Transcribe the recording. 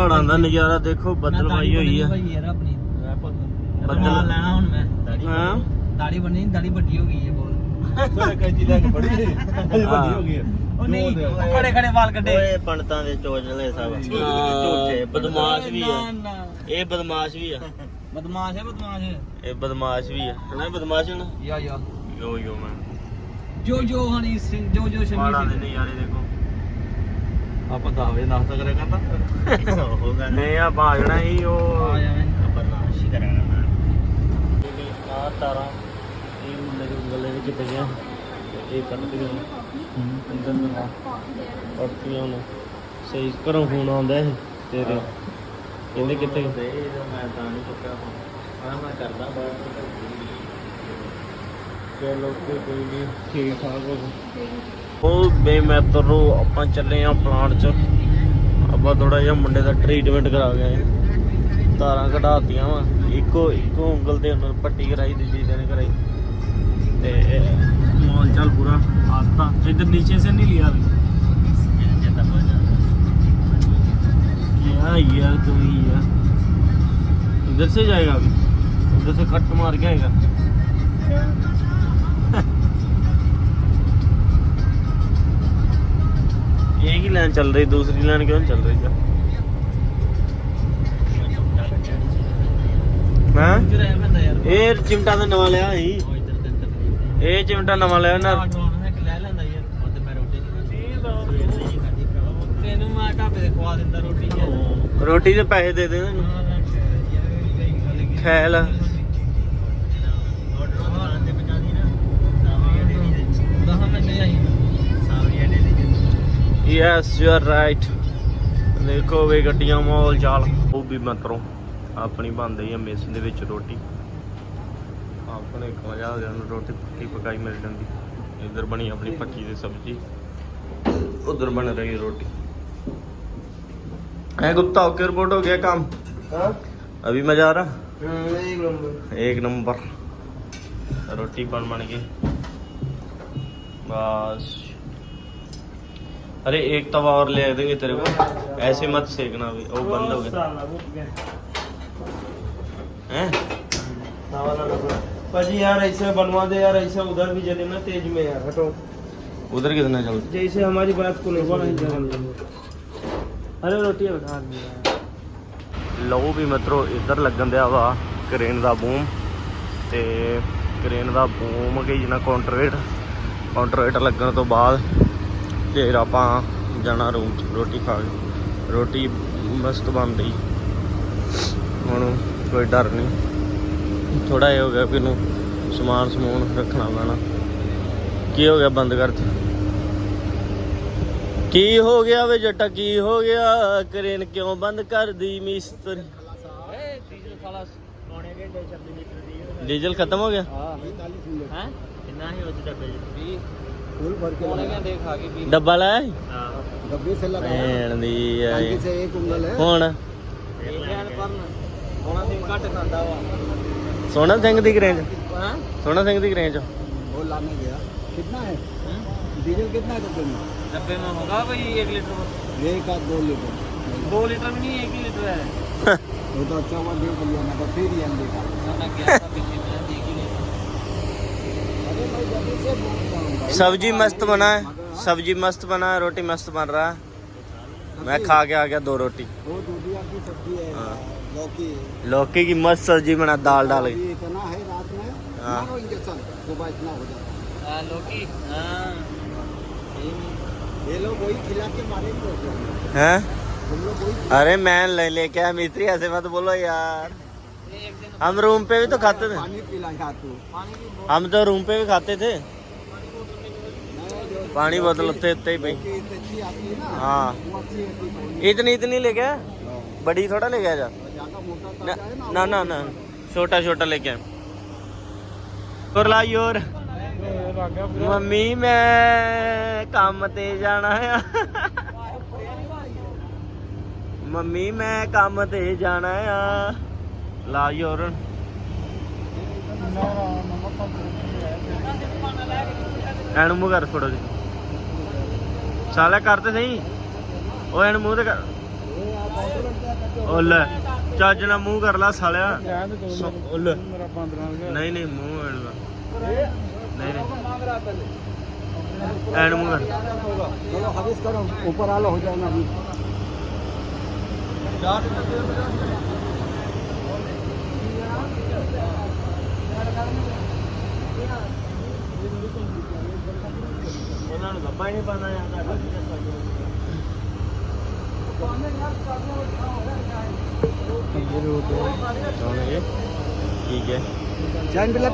पहाड़ों का नज़ारा देखो, बदलवाई हुई है बदल लेना हुन मैं हाँ दाढ़ी बनी, दाढ़ी बड़ी हो गई है बहुत। नहीं खड़े खड़े बाल कटे पंडितां दे चोचले सब झूठे बदमाश भी है, ये बदमाश भी है, बदमाश है बदमाश है ये बदमाश भी है ना, बदमाश है ना या यो मैं जो हनी सिंह जो शमी पहाड़ां दे सिंह नज़ारे देखो। ਆਪਾਂ 10 ਵਜੇ ਨਾਸ਼ਤਾ ਕਰਿਆ ਕਰਦਾ नहीं आप आ जाना ही वो ਆ ਜਾਵੇਂ बर्दाश्त ही करेगा ना आ तारा ये मुंडे के गले में कितने गया ये कट दिया अंदर में और पिया ने सही करो फोन आंदा है तेरे कहंदे कितने गए मैं ਤਾਂ ਨਹੀਂ ਚੁੱਕਿਆ ਹਾਂ मैं करदा बात चलो कोई नहीं ठीक ठाक हो ਉਹ ਬੇ ਮੈਂ ਤਰੋ ਆਪਾਂ ਚੱਲੇ ਆ ਪਲਾਂਟ ਚ ਆਪਾਂ ਥੋੜਾ ਜਿਹਾ ਮੁੰਡੇ ਦਾ ਟ੍ਰੀਟਮੈਂਟ ਕਰਾ ਗਏ, ਤਾਰਾਂ ਕਢਾਤੀਆਂ ਵਾ ਇੱਕੋ ਉਂਗਲ ਤੇ ਉਹਨਾਂ ਪੱਟੀ ਕਰਾਈ, ਦੂਜੀ ਦਿਨ ਕਰਾਈ ਤੇ ਮੌਲ ਚੱਲ ਪੂਰਾ ਆਤਾ ਇਧਰ नीचे से नहीं लिया क्या यार तुम ही यार इधर से जाएगा अभी, उधर से कट मार के आएगा एक ही लाइन चल रही, दूसरी लाइन क्यों नहीं चल रही क्या? हाँ ये चिमटा तो नवा लिया ही, ये चिमटा नवा लिया ना ਲੈ ਲੈਂਦਾ ਯਾਰ ਉਹਦੇ ਮੈਂ ਰੋਟੀ ਤੈਨੂੰ ਮੈਂ ਢਾਬੇ ਤੇ ਖਵਾ ਦਿੰਦਾ ਰੋਟੀ ਯਾਰ रोटी के पैसे दे दे ख्याल यस यू आर राइट। देखो वे गड्डियां माहौल चाल वो भी मतलब अपनी बन रही है मेस दे विच रोटी, अपने मजा आ गया रोटी पक्की पकाई मिल जाती, इधर बनी अपनी पक्की दी सब्जी, उधर बन रही रोटी। है गुप्ता ओके रिपोर्ट हो गया काम? हाँ? अभी मजा आ रहा? एक नंबर रोटी बन गई बस। अरे एक तवा और ले देंगे तेरे को, ऐसे मत सेकना भी, वो बंद हो गया हैं पाजी यार ऐसे बनवा दे यार, ऐसे उधर भी जले ना तेज में यार, हटो उधर कितना चल जैसे हमारी बात को नहीं जले। अरे रोटी उठा लो भी मित्रों इधर लगन दिया वा क्रेन का बूम, ते क्रेन का बूम गई जिन्ना काउंटरवेट लगन तो बाद फिर आप जाना रूम च रोटी खा के। रोटी मस्त बन रही हुण, कोई डर नहीं। थोड़ा ये हो गया कि समान समून रखना पैना। की हो गया बंद कर, की हो गया वे जट्टा, की हो गया क्रेन क्यों बंद कर दी मिस्त्री? डीजल खत्म हो गया डब्बा लाया डब्बे से भैन दी से एक उंगल है हुण सोना सिंह दी क्रेन सोना सिंह दी क्रेन च वो लाने गया। कितना है डीजल, कितना है डब्बे में? डब्बे में होगा भाई 1 लीटर, 1 या 2 लीटर। 2 लीटर में नहीं 1 ही लीटर है। वो तो अच्छा हुआ देख लिया ना, तो फिर ही हम देखा। मैं गया था पीछे में, देख ही नहीं। अरे भाई जल्दी से बोल रहा हूं। सब्जी मस्त बना है, सब्जी मस्त बना है, रोटी मस्त बन रहा है। मैं खा के आ गया 2 रोटी। वो दूधिया की सब्जी है, लौकी लौकी की मस्त सब्जी बना, दाल डाल के। इतना है रात में, हाँ। मारो इंजेक्शन, सुबह इतना हो जाता है। लौकी हाँ ये लोग वही खिला के मारेंगे हैं? हम लोग वही। अरे मैं लेके आया मिस्त्री, ऐसे मत बोलो यार। एक दिन हम रूम पे भी तो खाते थे, पानी पिलाया तू। पानी की हम तो रूम पे भी खाते थे। पानी बोतल उत्ते उत्ते ही भाई। अच्छी आती है ना, हाँ वो अच्छी होती है। इतनी लेके आया, बड़ी थोड़ा लेके आया जा। ज्यादा मोटा ना ताजा है ना ना ना छोटा छोटा लेके आए। और लाई और मम्मी मैं काम ते जाना है मम्मी मैं काम ते जाना है लाई और एन मुँह कर थोड़ा जी साला करते सही ओ एन मुँह ते कर ਉਹ ਲੈ ਚੱਜ ਨਾਲ ਮੂੰਹ ਕਰ ਲੈ ਸਾਲਿਆ ਰਹਿਣ ਦੇ ਦੋ ਉਹ ਲੈ ਮੇਰਾ 15 ਹੋ ਨਹੀਂ ਨਹੀਂ ਮੂੰਹ ਐਡਾ गया ਨਹੀਂ ਨਹੀਂ मांग रहा पहले ਐਨ ਮੂੰਹ ਕਰ चलो हदीस करो ऊपर आलो हो जाएगा अभी ਉਹਨਾਂ ਨੂੰ ਗੱਪਾ ਹੀ ਨਹੀਂ ਪਾਣਾ ਜਾਂਦਾ ਠੀਕ ਹੈ चैन भी